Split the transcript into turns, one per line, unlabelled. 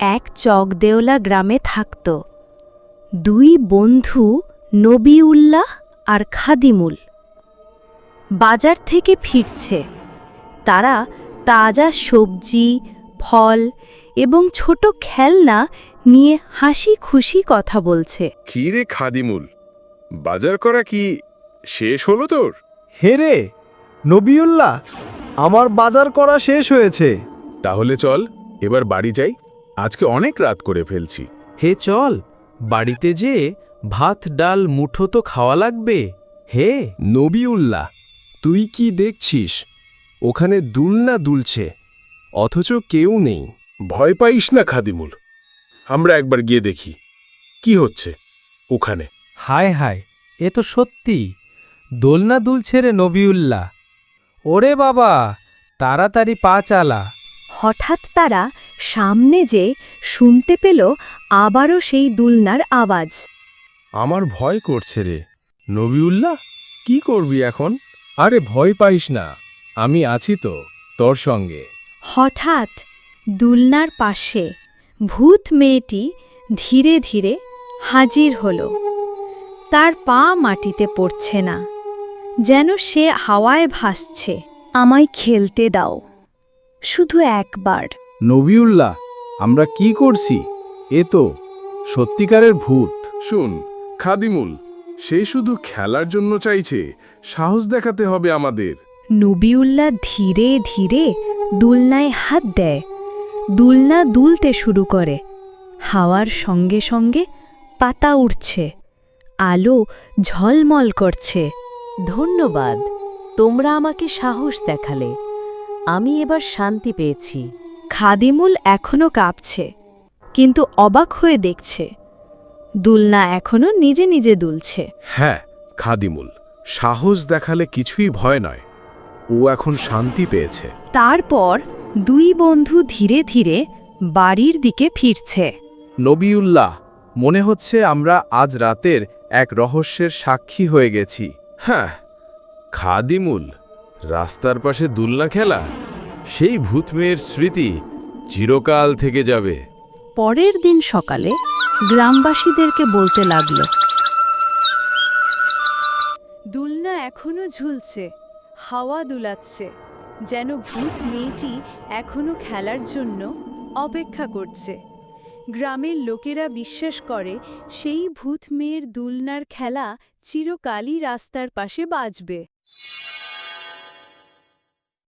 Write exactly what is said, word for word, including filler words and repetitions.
এক চকদেওলা গ্রামে থাকত দুই বন্ধু নবিউল্লাহ আর খাদিমুল। বাজার থেকে ফিরছে তারা তাজা সবজি, ফল এবং ছোট খেলনা নিয়ে হাসি খুশি কথা বলছে।
কি রে খাদিমুল, বাজার করা কি শেষ হলো তোর?
হে রে নবিউল্লাহ, আমার বাজার করা শেষ হয়েছে।
তাহলে চল এবার বাড়ি যাই, আজকে অনেক রাত করে ফেলছি।
হে চল, বাড়িতে যে ভাত ডাল মুঠো তো খাওয়া লাগবে। হে
নবিউল্লাহ, তুই কি দেখছিস? ওখানে দুলনা দুলছে, অথচ কেউ নেই।
ভয় পাইস না খাদিমুল, আমরা একবার গিয়ে দেখি কি হচ্ছে ওখানে।
হায় হায়, এ তো সত্যি দোলনা দুলছে রে নবিউল্লাহ। ওরে বাবা, তাড়াতাড়ি পা চালা।
হঠাৎ তারা সামনে যে শুনতে পেল আবারও সেই দুলনার আওয়াজ।
আমার ভয় করছে রে নবিউল্লাহ, কি করবি এখন?
আরে ভয় পাইস না, আমি আছি তো তোর সঙ্গে।
হঠাৎ দুলনার পাশে ভূত মেয়েটি ধীরে ধীরে হাজির হল। তার পা মাটিতে পড়ছে না, যেন সে হাওয়ায় ভাসছে। আমায় খেলতে দাও, শুধু একবার।
নবিউল্লাহ, আমরা কি করছি? এ তো সত্যিকারের ভূত।
শুন খাদিমুল, সে শুধু খেলার জন্য চাইছে, সাহস দেখাতে হবে আমাদের।
নবিউল্লাহ ধীরে ধীরে দুলনায় হাত দেয়। দুলনা দুলতে শুরু করে। হাওয়ার সঙ্গে সঙ্গে পাতা উড়ছে, আলো ঝলমল করছে।
ধন্যবাদ, তোমরা আমাকে সাহস দেখালে। আমি এবার শান্তি পেয়েছি।
খাদিমুল এখনো কাঁপছে, কিন্তু অবাক হয়ে দেখছে দুলনা এখনো নিজে নিজে দুলছে।
হ্যাঁ খাদিমুল, সাহস দেখালে কিছুই ভয় নয়, ও এখন শান্তি পেয়েছে।
তারপর দুই বন্ধু ধীরে ধীরে বাড়ির দিকে ফিরছে।
নবিউল্লাহ, মনে হচ্ছে আমরা আজ রাতের এক রহস্যের সাক্ষী হয়ে গেছি।
হ্যাঁ খাদিমুল, রাস্তার পাশে দুলনা খেলা, সেই ভূত মেয়ের স্মৃতি চিরকাল থেকে যাবে।
পরের দিন সকালে গ্রামবাসীদেরকে বলতে লাগল, দুলনা এখনো ঝুলছে, হাওয়া দুলাচ্ছে, যেন ভূত মেয়েটি এখনো খেলার জন্য অপেক্ষা করছে। গ্রামের লোকেরা বিশ্বাস করে সেই ভূত মেয়ের দুলনার খেলা চিরকালই রাস্তার পাশে বাজবে।